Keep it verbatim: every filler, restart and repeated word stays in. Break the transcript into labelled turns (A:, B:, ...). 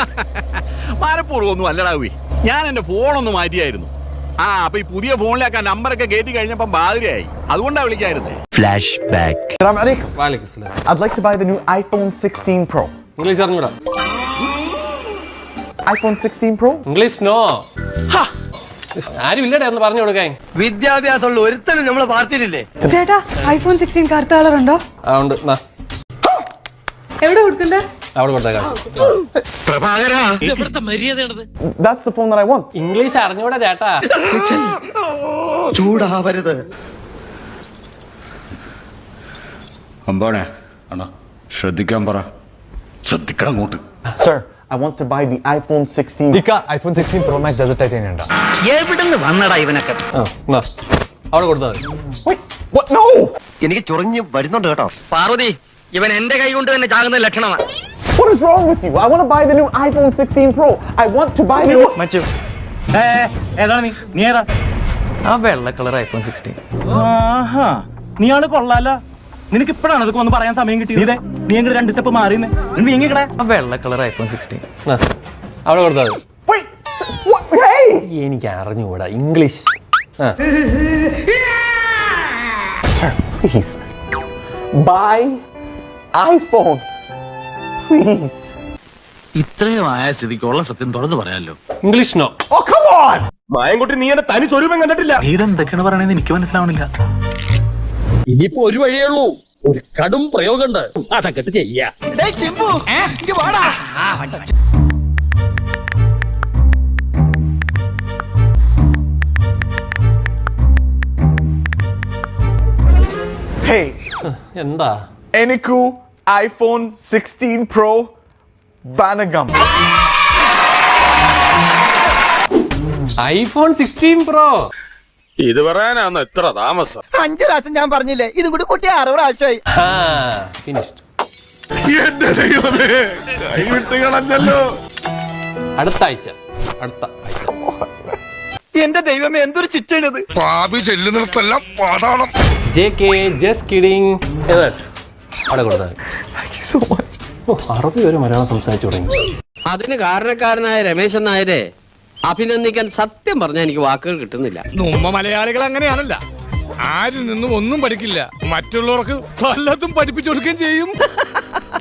A: മാരപ്പൂർവ്വം അല്ലടാവി, ഞാൻ എന്റെ ഫോണൊന്ന് മാറ്റിയായിരുന്നു. ആ അപ്പൊ ഈ പുതിയ ഫോണിലേക്ക് ആ നമ്പറൊക്കെ കയറ്റി കഴിഞ്ഞപ്പോ ബാധിരയായി, അതുകൊണ്ടാ വിളിക്കായിരുന്നേ.
B: Flash back.
C: I'd like to buy the new iPhone sixteen Pro.
D: English അറിഞ്ഞൂടാ?
C: iPhone sixteen Pro?
D: English no. ആരും ഇല്ലടേ ഒന്ന് പറഞ്ഞു കൊടുക്കാൻ.
E: വിദ്യാഭ്യാസമുള്ള ഒരുത്തനും നമ്മളെ പാർട്ടിയിലില്ലേ?
F: ചേട്ടാ ഐഫോൺ സിക്സ്റ്റീൻ കറുത്ത കളർ ഉണ്ടോ?
D: ആ ഉണ്ട്.
F: എവിടെ കൊടുക്കണ്ടേ?
D: അവിടെ കൊടുത്തേക്കാം.
C: That's the phone that I want.
D: English അറിഞ്ഞൂടാ ചേട്ടാ.
E: ചൂടാവരുത്.
G: അമ്പാണേ അണ്ണാ ശ്രദ്ധിക്കാൻ പറ. ശ്രദ്ധിക്കണം അങ്ങോട്ട്.
C: Sir, I want to buy the iPhone sixteen. Dika, iPhone sixteen Pro Max desert titanium ഉണ്ട്.
E: എവിടുന്ന് വന്നടാ ഇവനൊക്കെ?
D: അവിടെ കൊടുത്താൽ മതി.
C: Wait, what? No!
E: എനിക്ക് ചൊറിഞ്ഞ് വരുന്നുണ്ട് കേട്ടോ. പാർവതി, ഇവൻ എന്റെ കൈ കൊണ്ട് തന്നെ ചാകുന്ന ലക്ഷണമാണ്.
C: What is wrong with you? I want to buy the new iPhone sixteen Pro. I want to buy the new...
H: മച്ചു ഏതാണ് നീ നീ ഏതാ?
E: ആ വെള്ള കളർ ഐഫോൺ സിക്സ്റ്റീൻ.
H: ആഹാ, നീ ആള് കൊള്ളാല. നിനക്ക് ഇപ്പഴാണ് അതൊക്കെ ഒന്ന് പറയാൻ സമയം കിട്ടിയത്. നീ എങ്ങനെ രണ്ട് സ്റ്റെപ്പ് മാറിയെന്ന് നീ എങ്ങനെ?
E: ആ വെള്ള കളർ ഐഫോൺ സിക്സ്റ്റീൻ.
D: അവിടെ കൊടുത്താൽ മതി.
C: Wait! What? Hey!
D: എനിക്ക് അറിഞ്ഞുകൂടാ English.
C: Sir, please. Buy iPhone. Please.
I: ഇത്രയും ആയ സ്ഥിതിക്കുള്ള സത്യം തുറന്നു പറയാമല്ലോ.
D: English no.
C: Oh, come on!
E: Mayankutty, നീ എന്നെ തനി സ്വരൂപം കണ്ടിട്ടില്ല.
I: ഇതെന്തൊക്കെയാണ് പറയണെന്ന് എനിക്ക് മനസ്സിലാവണില്ല.
H: ഇനിയിപ്പോ ഒരു വഴിയേ ഉള്ളൂ. ഒരു കടും പ്രയോഗമുണ്ട്, അതൊക്കെ ചെയ്യാ.
C: Hey,
D: എന്താ?
C: Eniku iPhone sixteen Pro Vanagam.
D: IPhone sixteen Pro.
G: ഇത് പറയാനാണ് എത്ര താമസം?
E: അഞ്ചു പ്രാവശ്യം ഞാൻ പറഞ്ഞില്ലേ, ഇത് കൂടി കൂട്ടി അറുപത് പ്രാവശ്യമായി.
D: ഫിനിഷ്ഡ്.
G: എന്റെ ദൈവമേ, കൈവിട്ട് കളഞ്ഞല്ലോ.
D: അടുത്ത ആഴ്ച അടുത്ത ആഴ്ച
E: എന്റെ ദൈവമേ, എന്തൊരു ചിറ്റണത്.
G: പാപി ചെല്ലുന്നിടത്തെല്ലാം പാതാളം.
D: J K just kidding. അവിടെ കൊടുത്താൽ അറബി ഒരു മലയാളം സംസാരിച്ചു തുടങ്ങി.
J: അതിന് കാരണക്കാരനായ രമേശൻ നായരെ അഭിനന്ദിക്കാൻ സത്യം പറഞ്ഞാൽ എനിക്ക് വാക്കുകൾ കിട്ടുന്നില്ല.
G: നമ്മ മലയാളികൾ അങ്ങനെയാണല്ല, ആരിൽ നിന്നും ഒന്നും പഠിക്കില്ല, മറ്റുള്ളവർക്ക് പലതും പഠിപ്പിച്ചു കൊടുക്കുകയും ചെയ്യും.